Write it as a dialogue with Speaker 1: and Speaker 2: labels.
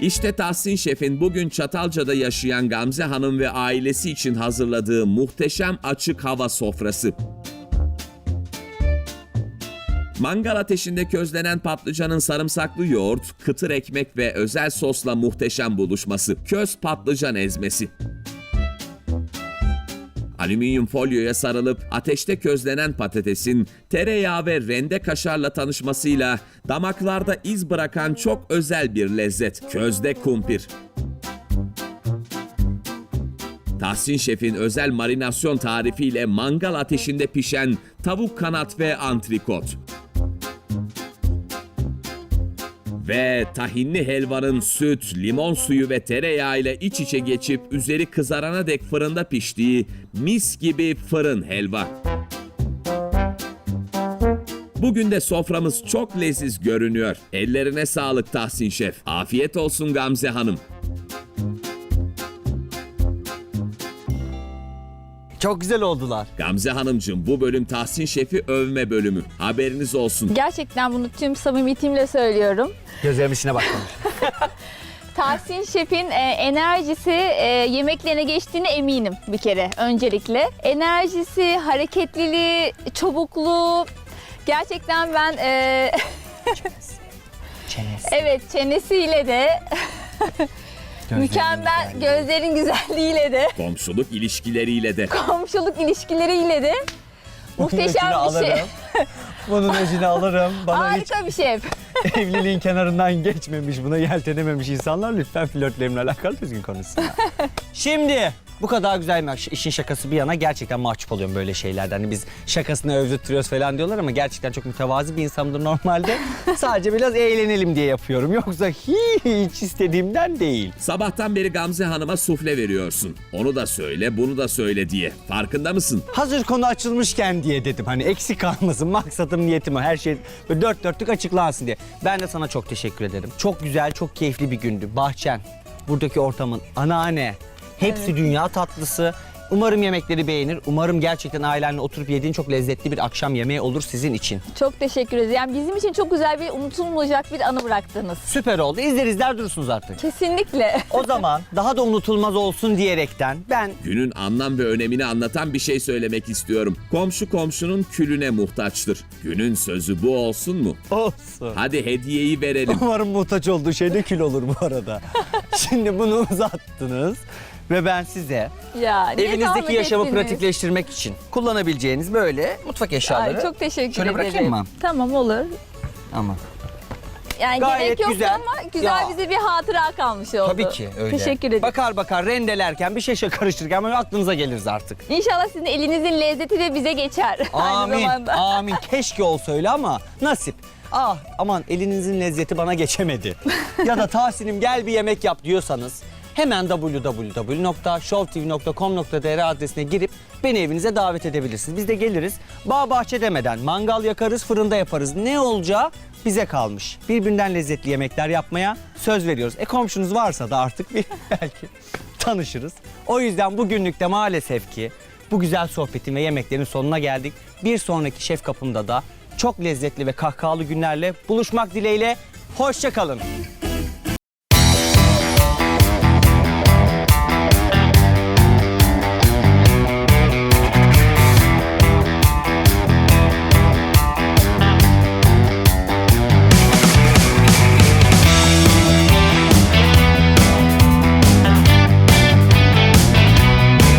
Speaker 1: İşte Tahsin Şef'in bugün Çatalca'da yaşayan Gamze Hanım ve ailesi için hazırladığı muhteşem açık hava sofrası. Mangal ateşinde közlenen patlıcanın sarımsaklı yoğurt, kıtır ekmek ve özel sosla muhteşem buluşması. Köz patlıcan ezmesi. Alüminyum folyoya sarılıp ateşte közlenen patatesin tereyağı ve rende kaşarla tanışmasıyla damaklarda iz bırakan çok özel bir lezzet. Közde kumpir. Tahsin Şef'in özel marinasyon tarifiyle mangal ateşinde pişen tavuk kanat ve antrikot. Ve tahinli helvanın süt, limon suyu ve tereyağı ile iç içe geçip üzeri kızarana dek fırında piştiği mis gibi fırın helva. Bugün de soframız çok leziz görünüyor. Ellerine sağlık Tahsin Şef. Afiyet olsun Gamze Hanım.
Speaker 2: Çok güzel oldular.
Speaker 1: Gamze Hanımcığım, bu bölüm Tahsin Şef'i övme bölümü. Haberiniz olsun.
Speaker 3: Gerçekten bunu tüm samimiyetimle söylüyorum.
Speaker 2: Gözlerimin içine bakmamış.
Speaker 3: Tahsin Şef'in enerjisi yemeklerine geçtiğine eminim bir kere öncelikle. Enerjisi, hareketliliği, çabukluğu. Gerçekten ben
Speaker 2: Çenesi.
Speaker 3: evet çenesiyle de mükemmel, gözlerin güzelliğiyle de,
Speaker 1: Komşuluk ilişkileriyle de.
Speaker 3: komşuluk ilişkileriyle de muhteşem bir şey.
Speaker 2: Bunun öcünü alırım. Bana hiç
Speaker 3: Harika bir şef.
Speaker 2: evliliğin kenarından geçmemiş, buna yeltenememiş insanlar lütfen flörtlerimle alakalı düzgün konuşsunlar. Şimdi bu kadar güzel işin şakası bir yana gerçekten mahcup oluyorum böyle şeylerden. Hani biz şakasını övdürtüyoruz falan diyorlar ama gerçekten çok mütevazi bir insanımdır normalde. Sadece biraz eğlenelim diye yapıyorum. Yoksa hiç istediğimden değil.
Speaker 1: Sabahtan beri Gamze Hanım'a sufle veriyorsun. Onu da söyle, bunu da söyle diye. Farkında mısın?
Speaker 2: Hazır konu açılmışken diye dedim. Hani eksik kalmasın. Maksadım, niyetim o. Her şey böyle dört dörtlük açıklansın diye. Ben de sana çok teşekkür ederim. Çok güzel, çok keyifli bir gündü. Bahçen, buradaki ortamın, anneanne. Hepsi dünya tatlısı. Umarım yemekleri beğenir. Umarım gerçekten ailenle oturup yediğin çok lezzetli bir akşam yemeği olur sizin için.
Speaker 3: Çok teşekkür ederiz. Yani bizim için çok güzel bir unutulmayacak bir anı bıraktınız.
Speaker 2: Süper oldu. İzler durursunuz artık.
Speaker 3: Kesinlikle.
Speaker 2: O zaman daha da unutulmaz olsun diyerekten ben
Speaker 1: Günün anlam ve önemini anlatan bir şey söylemek istiyorum. Komşu komşunun külüne muhtaçtır. Günün sözü bu olsun mu?
Speaker 2: olsun.
Speaker 1: Hadi hediyeyi verelim.
Speaker 2: Umarım muhtaç olduğu şey de kül olur bu arada. Şimdi bunu uzattınız ve ben size
Speaker 3: Ya, ne
Speaker 2: evinizdeki
Speaker 3: zahmet
Speaker 2: yaşamı
Speaker 3: ettiniz.
Speaker 2: pratikleştirmek için kullanabileceğiniz böyle mutfak eşyaları.
Speaker 3: Ay, çok teşekkür
Speaker 2: Şöyle
Speaker 3: ederim.
Speaker 2: bırakayım mı?
Speaker 3: Tamam, olur.
Speaker 2: Ama
Speaker 3: Yani
Speaker 2: Gayet
Speaker 3: gerek yoktu
Speaker 2: güzel.
Speaker 3: ama güzel
Speaker 2: Ya.
Speaker 3: bize bir hatıra kalmış oldu.
Speaker 2: tabii ki öyle.
Speaker 3: Teşekkür ederim.
Speaker 2: Bakar rendelerken bir şey karıştırırken böyle aklınıza geliriz artık.
Speaker 3: İnşallah sizin elinizin lezzeti de bize geçer. Aynı
Speaker 2: Amin,
Speaker 3: zamanda.
Speaker 2: amin. Keşke olsa öyle ama nasip. Ah aman elinizin lezzeti bana geçemedi. Ya da Tahsin'im gel bir yemek yap diyorsanız hemen www.showtv.com.tr adresine girip beni evinize davet edebilirsiniz. Biz de geliriz. Bağ bahçe demeden mangal yakarız, fırında yaparız. Ne olacağı bize kalmış. Birbirinden lezzetli yemekler yapmaya söz veriyoruz. Komşunuz varsa da artık bir belki tanışırız. O yüzden bugünlük de maalesef ki bu güzel sohbetin ve yemeklerin sonuna geldik. Bir sonraki Şef Kapım'da da çok lezzetli ve kahkahalı günlerle buluşmak dileğiyle. Hoşça kalın.